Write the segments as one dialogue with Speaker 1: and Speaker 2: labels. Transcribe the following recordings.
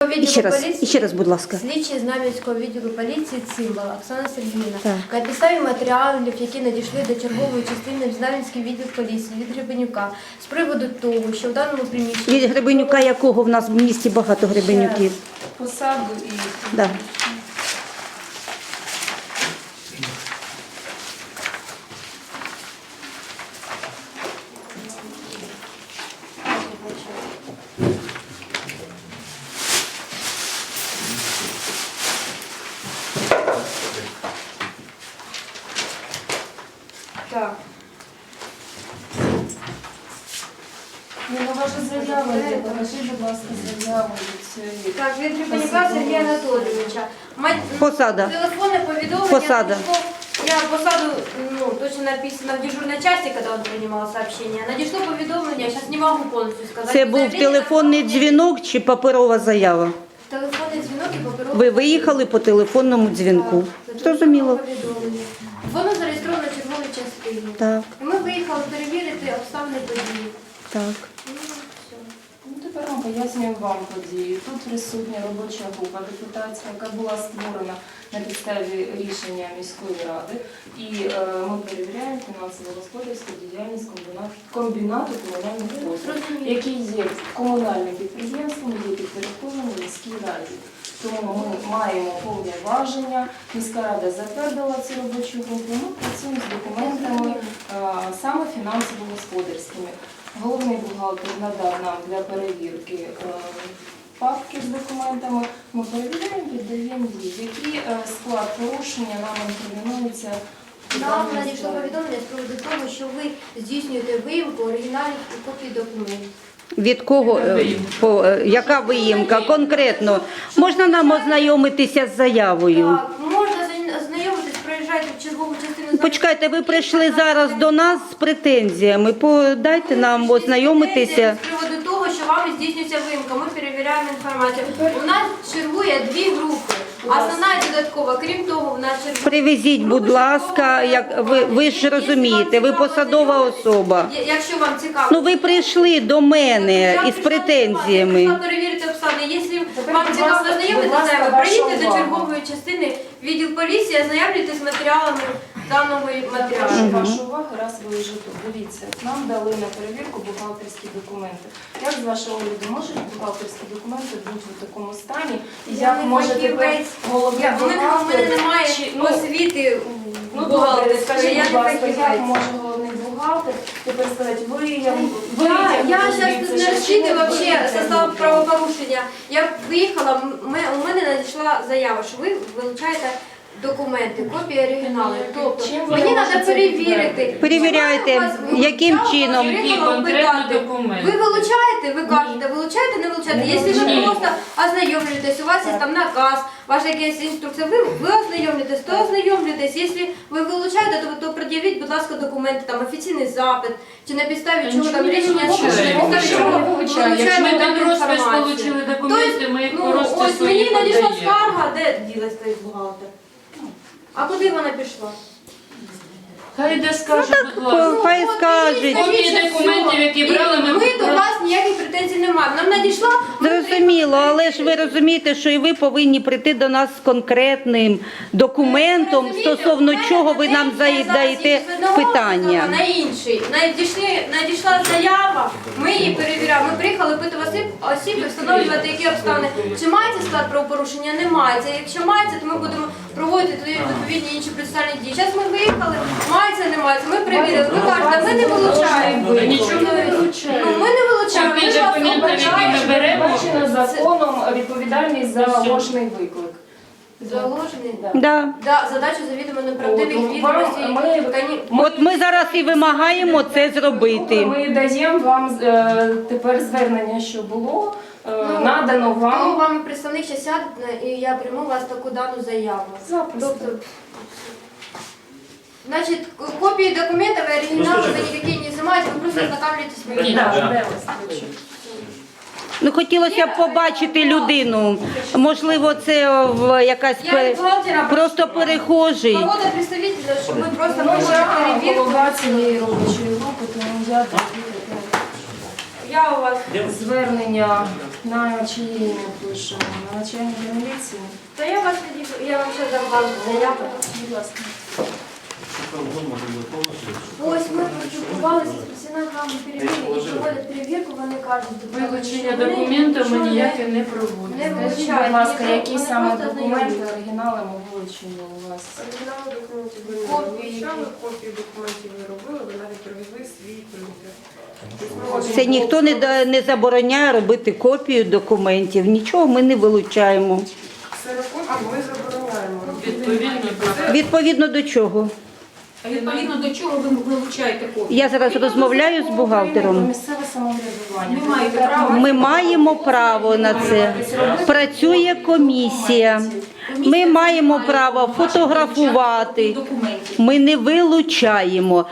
Speaker 1: відділу поліції.
Speaker 2: Ще раз, будь ласка.
Speaker 1: Слідчий Знам'янського відділу поліції Цимбал Оксана Сергіївна.
Speaker 2: Так.
Speaker 1: На підставі матеріалів, які надійшли до чергової частини Знам'янський відділ поліції від Гребенюка з приводу того, що в даному приміщенні...
Speaker 2: Від Гребенюка якого в нас в місті багато Гребенюків?
Speaker 3: Посаду і...
Speaker 2: Да.
Speaker 1: Так.
Speaker 3: Ну, ваша заява є. Покажіть, будь ласка, заяву від цієї.
Speaker 1: Так, від Гребенюка Сергія Анатолійовича.
Speaker 2: Посада.
Speaker 1: Телефонное поведомление.
Speaker 2: Посада.
Speaker 1: Я посаду, точно написано в дежурной части, когда он принимал сообщение. Надішло повідомлення, я сейчас не могу полностью сказать.
Speaker 2: Це був телефонний дзвінок чи паперова заява?
Speaker 1: Телефонний дзвінок і паперовий.
Speaker 2: Ви виїхали по телефонному дзвінку. Зрозуміло.
Speaker 1: Воно зареєстровано в черговій частині.
Speaker 2: Так,
Speaker 1: І ми виїхали перевірити обставини події.
Speaker 2: так.
Speaker 1: Ну, все.
Speaker 3: Ну, тепер ми пояснюємо вам події. Тут присутня робоча група депутатська, яка була створена на підставі рішення міської ради. І ми перевіряємо фінансово-господарську діяльність комбінату комунальних послуг, який є комунальним підприємством, є підпорядкованим міській раді. Тому ми маємо повноваження, міська рада затвердила цю робочу групу, ми працюємо з документами саме фінансово-господарськими. Головний бухгалтер надав нам для перевірки папки з документами. Ми перевіряємо, віддаємо їх. Який склад порушення нам інкримінується?
Speaker 1: Нам надійшло повідомлення з приводу того, що ви здійснюєте виїмку оригіналів і копії документів.
Speaker 2: Від кого, яка виїмка конкретно? Можна нам ознайомитися з заявою?
Speaker 1: Так, можна знайомитись, проїжджайте в чергову частину.
Speaker 2: Почекайте, ви прийшли зараз до нас з претензіями. Дайте нам ознайомитися.
Speaker 1: З приводу того, що вами здійснюється виїмка, ми перевіряємо інформацію. У нас чергує дві групи. Основна і додаткова. Крім того, в нас чергує...
Speaker 2: Привезіть, будь ласка, ви ж розумієте, ви посадова особа.
Speaker 1: Якщо вам цікаво.
Speaker 2: Ну ви прийшли до мене із претензіями.
Speaker 1: Я перевірити обставини. Якщо вам цікаво знайомитися, приїдьте до чергової частини відділ поліції, ознайомлюйтесь з матеріалами даного матеріалу.
Speaker 3: Вашу увагу, раз ви вже тут. Дивіться, нам дали на перевірку бухгалтерські документи. Як з вашого огляду можуть бухгалтерські документи бути в такому стані? І як може тепер головний бухгалтер...
Speaker 1: У мене немає освіти бухгалтерської.
Speaker 3: Скажіть, будь ласка, як може головний бухгалтер тепер сказати,
Speaker 1: Я зараз не розчитую вообще состав правопорушення. Я виїхала, у мене надійшла заява, що ви вилучаєте документи, копії оригіналу. Тобто мені треба перевірити.
Speaker 2: Перевіряйте, яким чином.
Speaker 4: Які конкретні документи?
Speaker 1: Ви вилучаєте, ви кажете, вилучаєте, не вилучаєте. Якщо ви просто ознайомлюєтесь, у вас є там наказ, ваша якась інструкція, ви ознайомлюєтесь, то ознайомлюєтесь. Якщо ви вилучаєте, то пред'явіть, будь ласка, документи, там офіційний запит, чи на підставі чого там рішення, чи на підставі чого ви вилучаєте
Speaker 4: Ми там розпис
Speaker 1: інформацію.
Speaker 4: отримали документи, ми їх по
Speaker 1: Ось
Speaker 4: розпису
Speaker 1: мені
Speaker 4: їх
Speaker 1: надійшла
Speaker 4: подаємо.
Speaker 1: скарга, де ділась той бухгалтер? А куди вона пішла?
Speaker 4: Хай де скаже, будь ласка.
Speaker 2: Хай скажуть.
Speaker 4: Копії документів, які брали, ми
Speaker 1: Ми до вас ніяких претензій не маємо. Нам надійшла...
Speaker 2: Зрозуміло, але ж ви розумієте, що і ви повинні прийти до нас з конкретним документом, стосовно чого ви нам задаєте питання.
Speaker 1: На інший. Надійшла заява, ми її перевіряємо. Ми приїхали пити осіб і встановлювати, які обставини. Чи мається склад правопорушення? Не мається. Якщо мається, то ми будемо проводити тоді відповідні інші процесуальні дії. Зараз ми виїхали, мається, не мається. Ми перевірили. Ви кажете, ми не вилучаємо.
Speaker 4: Нічого не вилучаємо.
Speaker 1: Ну, ми не вилучаємо.
Speaker 4: Копії
Speaker 1: Ми вас
Speaker 4: документів, які ми
Speaker 1: обважаємо.
Speaker 4: беремо,
Speaker 3: передбачено законом відповідальність за ложний виклик.
Speaker 1: Заложений?
Speaker 2: Да.
Speaker 1: Да, задачу завідомо неправдивих відомостей.
Speaker 2: От ми зараз і вимагаємо це зробити.
Speaker 3: Ми даємо вам тепер звернення, що було, надано
Speaker 1: Коли
Speaker 3: вам.
Speaker 1: вам представник ще сяде, і я прийму у вас таку дану заяву.
Speaker 3: Запросто.
Speaker 1: Тобто, значить, копії документів і оригінали ви ніякі не знімаєте, ви просто ознакомлюєтесь з
Speaker 4: Ні,
Speaker 1: ними.
Speaker 2: Ну, хотілося б побачити людину. Можливо, це якась
Speaker 1: Я бухгалтера
Speaker 2: просто перехожий.
Speaker 1: Кого-то представителя, щоб ми просто
Speaker 3: Ну,
Speaker 1: провели
Speaker 3: я
Speaker 1: перевірку.
Speaker 3: голова цієї робочої групи, тому я
Speaker 1: Я у вас
Speaker 3: звернення На чиє ім'я пишемо? На начальника міліції?
Speaker 1: То я вас я вам ще дам вам заяву.
Speaker 3: Будь ласка.
Speaker 1: Ось ми поспілкувалися з працівниками перевірки, які проводять перевірку, вони кажуть,
Speaker 4: Вилучення
Speaker 1: вони
Speaker 4: документів ми
Speaker 1: нічого не-
Speaker 4: ніяке не
Speaker 1: не
Speaker 4: проводимо.
Speaker 3: Скажіть,
Speaker 1: вилучають.
Speaker 3: будь ласка,
Speaker 1: Вони
Speaker 3: які
Speaker 1: просто
Speaker 3: саме
Speaker 1: знайомі.
Speaker 3: документи оригінали ми вилучили у вас?
Speaker 5: Оригінали документів ви не
Speaker 1: Копії.
Speaker 5: вилучали, копії документів ви робили, ви навіть привезли свій принтер.
Speaker 2: Це ніхто не забороняє робити копію документів, нічого ми не вилучаємо.
Speaker 5: Ксерокопії ми забороняємо робити.
Speaker 4: Відповідно,
Speaker 2: Відповідно до чого?
Speaker 6: А відповідно до чого ви вилучаєте копію?
Speaker 2: Я зараз розмовляю з
Speaker 3: Про
Speaker 2: бухгалтером.
Speaker 3: місцеве самоврядування.
Speaker 6: Ви маєте право.
Speaker 2: Ми маємо право на це. Працює комісія. Ми маємо право фотографувати.
Speaker 6: Документів.
Speaker 2: Ми не вилучаємо.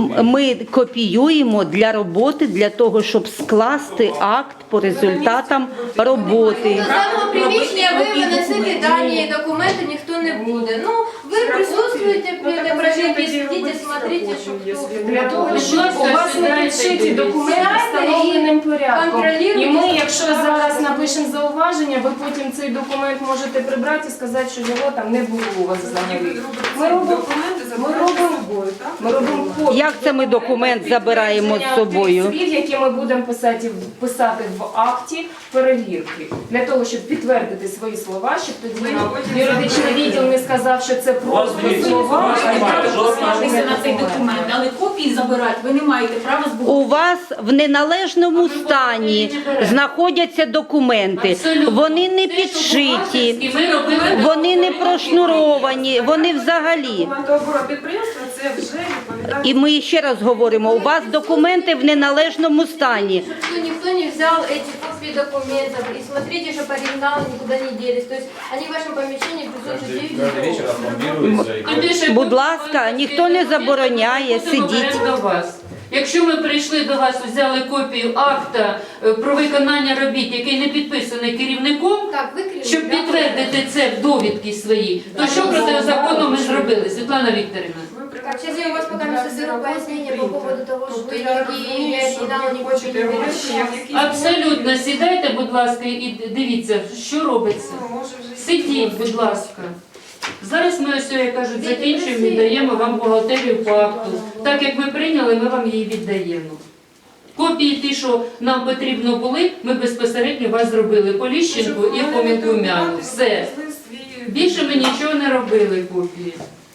Speaker 2: Ми копіюємо для роботи, для того, щоб скласти акт по результатам роботи.
Speaker 1: До самого приміщення ви винесете дані документи, ніхто не буде. Ну, ви присутствуєте при этой проверке, сидите, смотрите, що хто.
Speaker 3: Для того, щоб
Speaker 4: Будь
Speaker 3: у
Speaker 4: ласка,
Speaker 3: вас не
Speaker 4: сідайте,
Speaker 3: підшиті
Speaker 4: дивіться.
Speaker 3: документи
Speaker 1: Сідайте
Speaker 3: встановленим
Speaker 1: і
Speaker 3: порядком.
Speaker 1: контролюйте,
Speaker 3: І ми,
Speaker 1: що
Speaker 3: якщо
Speaker 1: справа
Speaker 3: зараз
Speaker 1: робиться.
Speaker 3: напишемо зауваження, ви потім цей документ можете прибрати і сказати, що його там не було у вас взагалі. Ми робимо
Speaker 5: Документи забираєте з собою, так?
Speaker 3: Ми робимо копію.
Speaker 2: Як це ми документ забираємо з собою?
Speaker 3: Тих слів, які ми будемо писати в акті перевірки, для того, щоб підтвердити свої слова, щоб тоді нам юридичний відділ не сказав, що це просто слова, а
Speaker 6: Маєте право посилатися на цей
Speaker 3: документ.
Speaker 6: документ, але копії забирати ви не маєте права з бухгалтерії.
Speaker 2: У вас в неналежному стані знаходяться документи.
Speaker 4: Абсолютно.
Speaker 2: Вони не
Speaker 4: Те, що
Speaker 2: підшиті,
Speaker 4: бухгалтерські ми робили,
Speaker 2: вони не прошнуровані, вони взагалі.
Speaker 5: Документооборот підприємства це вже відповідає.
Speaker 2: І ми ще раз говоримо, у вас документи в неналежному стані.
Speaker 1: Что никто не взял эти копии документов. И смотрите, чтобы оригиналы никуда не делись. То есть они в вашем помещении присутствуют 9 часов.
Speaker 4: Тим більше,
Speaker 2: Будь ласка, ніхто не забороняє,
Speaker 4: будемо
Speaker 2: сидіть.
Speaker 4: брати до вас. Якщо ми прийшли до вас, взяли копію акта про виконання робіт, який не підписаний керівником,
Speaker 1: Так, выкрили.
Speaker 4: щоб підтвердити це в довідки свої, то що протизаконно ми зробили, Світлана Вікторівна?
Speaker 1: Так, сейчас я у вас пока не соберу пояснение по поводу того, что
Speaker 5: Тобто
Speaker 1: вы
Speaker 5: я
Speaker 1: никакие
Speaker 5: розумію,
Speaker 1: не
Speaker 5: що
Speaker 1: оригиналы,
Speaker 5: ви
Speaker 1: ни
Speaker 5: хочете
Speaker 1: копии не
Speaker 5: гроші, як
Speaker 1: берете.
Speaker 5: якісь...
Speaker 4: Абсолютно, сідайте, будь ласка, і дивіться, що робиться.
Speaker 5: Ну, може, вже
Speaker 4: Сидіть, будь ласка. Зараз ми ось, як кажуть, закінчуємо, віддаємо вам бухгалтерію по акту. Так як ми прийняли, ми вам її віддаємо. Копії ті, що нам потрібно були, ми безпосередньо вас зробили по Ліщенку і по Мікумяну. Все. Більше ми нічого не робили копії.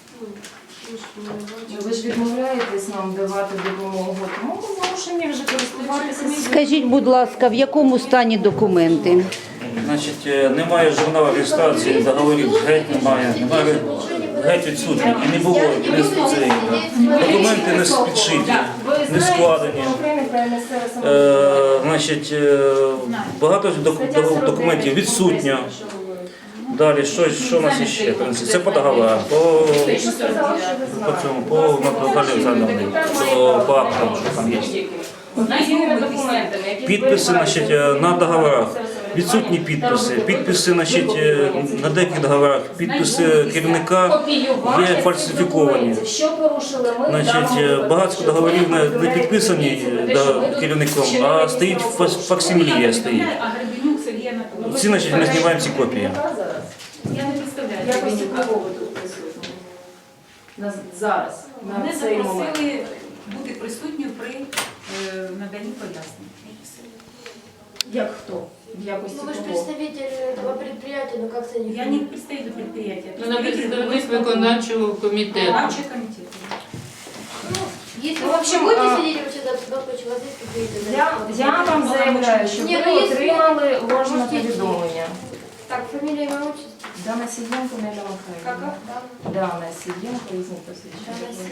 Speaker 3: Ви ж відмовляєтесь нам давати допомогу, тому ми змушені вже користуватися.
Speaker 2: Скажіть, будь ласка, в якому стані документи?
Speaker 7: Значить, немає журналу реєстрації, договорів геть немає, геть відсутні. І не було, і не цей. Документи не підшиті,
Speaker 3: Ви
Speaker 7: не
Speaker 3: знаєте,
Speaker 7: складені.
Speaker 3: Закон України про місцеве самоврядування.
Speaker 7: Значить, багато документів відсутньо. Далі, що у нас ще? Це по договорах, по цьому, по Наталі Олександровні, по актам, що там є.
Speaker 3: Офіційними документами, які
Speaker 7: Підписи,
Speaker 3: зберігаються
Speaker 7: значить, на договорах.
Speaker 3: в
Speaker 7: Відсутні підписи. Підписи, значить, на деяких договорах, підписи керівника є фальсифіковані.
Speaker 3: Що порушили ми? в
Speaker 7: Значить,
Speaker 3: даному випадку?
Speaker 7: багато договорів не підписані керівником, а стоїть факсимілія стоїть.
Speaker 6: А Гребенюк Сергій Анатолійович.
Speaker 7: Ці, значить, ми знімаємо ці копії.
Speaker 6: Я не представляю.
Speaker 3: Якості
Speaker 6: Гребенюка.
Speaker 3: кого ви тут присутні? Зараз,
Speaker 6: Мене
Speaker 3: на цей момент.
Speaker 6: запросили бути присутньою при наданні пояснень.
Speaker 3: Як хто? В якості
Speaker 1: Ну вы же
Speaker 3: кого?
Speaker 1: представитель этого предприятия, ну как это
Speaker 6: Я не представитель предприятия,
Speaker 4: Ну, на представник виконавчого комітету.
Speaker 6: Виконавчий комітет.
Speaker 1: Если
Speaker 3: Ну,
Speaker 1: вы
Speaker 3: в общем,
Speaker 1: будете
Speaker 3: а,
Speaker 1: сидеть вообще за у вас есть какие-то...
Speaker 3: Я вам заявляю, що
Speaker 1: Ні,
Speaker 3: ви
Speaker 1: ну, є
Speaker 3: отримали ложне
Speaker 1: Можете-
Speaker 3: повідомлення.
Speaker 1: Так, фамилия, имя, отчество.
Speaker 3: Дана Сиденко, Неля Михайлівна. Дана Сиденко, різні посвідчення.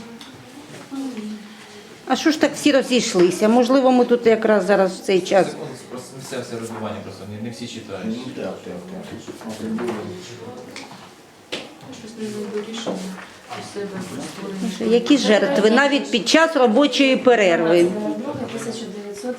Speaker 2: А що ж так всі розійшлися? Можливо, ми тут якраз зараз в цей час.
Speaker 8: Просто місцеве розбивання, просто не всі читають.
Speaker 4: Щось не знайду рішення у себе створення.
Speaker 2: Які жертви навіть під час робочої перерви?
Speaker 3: 1982.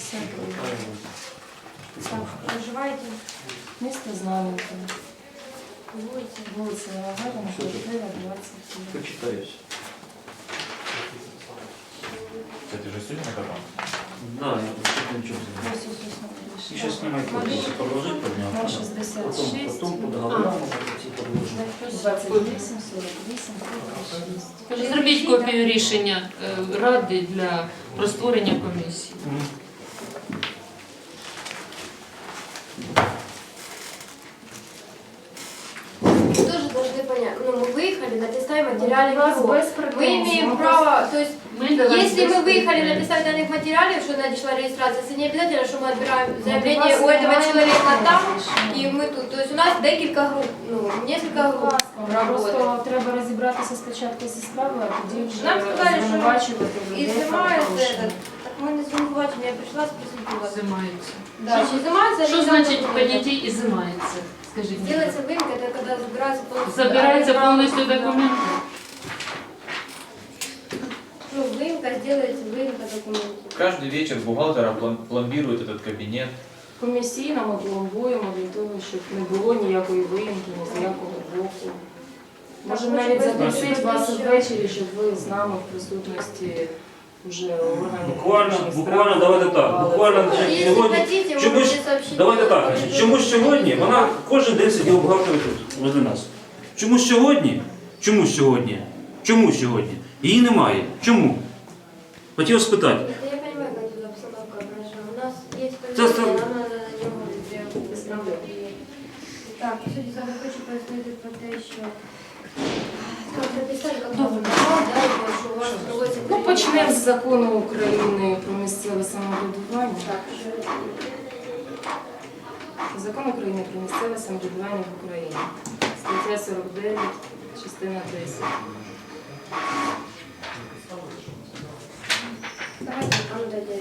Speaker 1: Так, проживаете?
Speaker 3: Місто Знам'янка.
Speaker 1: Будете?
Speaker 3: Вулиця Гагаріна, квартира 23.
Speaker 7: Почитаюсь.
Speaker 8: Це ти вже сьогодні казав?
Speaker 7: Да, я нічого.
Speaker 3: Ось, ось, ось,
Speaker 7: І ще знімайте, продовжити підняти.
Speaker 3: 0,66,
Speaker 7: Потім по договорам ці продовжити.
Speaker 3: 28, 48, 36.
Speaker 4: Зробіть копію рішення ради про створення комісії.
Speaker 1: Тоже должны понять, ну мы выехали на підставі материалів
Speaker 3: У вас
Speaker 1: його.
Speaker 3: без
Speaker 1: Мы
Speaker 3: претензій.
Speaker 1: имеем
Speaker 3: Ми
Speaker 1: право, то есть
Speaker 4: Ми до вас
Speaker 1: если мы
Speaker 4: без
Speaker 1: выехали на
Speaker 4: претензій.
Speaker 1: підставі даних материалів, что надійшла реєстрація, це не обязательно, що ми відбираємо
Speaker 3: Ми
Speaker 1: заявлення
Speaker 3: до
Speaker 1: у
Speaker 3: вас
Speaker 1: этого
Speaker 3: маємо
Speaker 1: человека там,
Speaker 3: претензії.
Speaker 1: і ми тут. То есть у нас декілька груп, ну, несколько груп работает.
Speaker 3: Просто треба розібратися спочатку зі справою, а тоді вже
Speaker 1: Нам сказали, що
Speaker 3: звинувачувати
Speaker 1: І
Speaker 3: людей.
Speaker 1: знімається
Speaker 3: правопорушення.
Speaker 1: этот. Так ми не звинувачені, я прийшла, спросила вас.
Speaker 4: Зимається.
Speaker 1: Да, чи знімається
Speaker 4: Що значить поняття і зимається? Скажіть мені.
Speaker 1: Делается вымка, это когда забирается полностью.
Speaker 4: Забираються повністю документи.
Speaker 1: Ну, вымка, сделается вымка документов.
Speaker 8: Каждый вечер бухгалтера пломбирует этот кабинет.
Speaker 3: Комісійно ми пломбуємо для того, щоб не було ніякої виїмки, ні з якого боку. Можемо
Speaker 1: Так,
Speaker 3: навіть
Speaker 1: може,
Speaker 3: запросити вас
Speaker 1: ще-
Speaker 3: ввечері, щоб ви з нами в присутності вже органів.
Speaker 7: Буквально давайте так. Буквально
Speaker 1: Если
Speaker 7: сьогодні.
Speaker 1: хотите, вы
Speaker 7: Чомусь,
Speaker 1: можете сообщить.
Speaker 7: давайте так. Чомусь сьогодні вона кожен день сиділа бухгалтером тут, возле нас. Чомусь сьогодні? Чомусь сьогодні? Чомусь сьогодні? Її немає. Чому? Хотів спитати.
Speaker 1: Я понимаю, как тут обстановка хорошо. У нас есть
Speaker 7: Це
Speaker 1: повестка,
Speaker 7: сам-
Speaker 1: она на нього відреагує. Так, по суті, саме хочу пояснити про те, що як написали, як добре, да, і що у вас проводиться...
Speaker 3: Ну, почнемо з закону України про місцеве самоврядування.
Speaker 1: Так, що...
Speaker 3: Закон України про місцеве самоврядування в Україні. Стаття 49, частина 10.
Speaker 1: Давайте, вам дадим.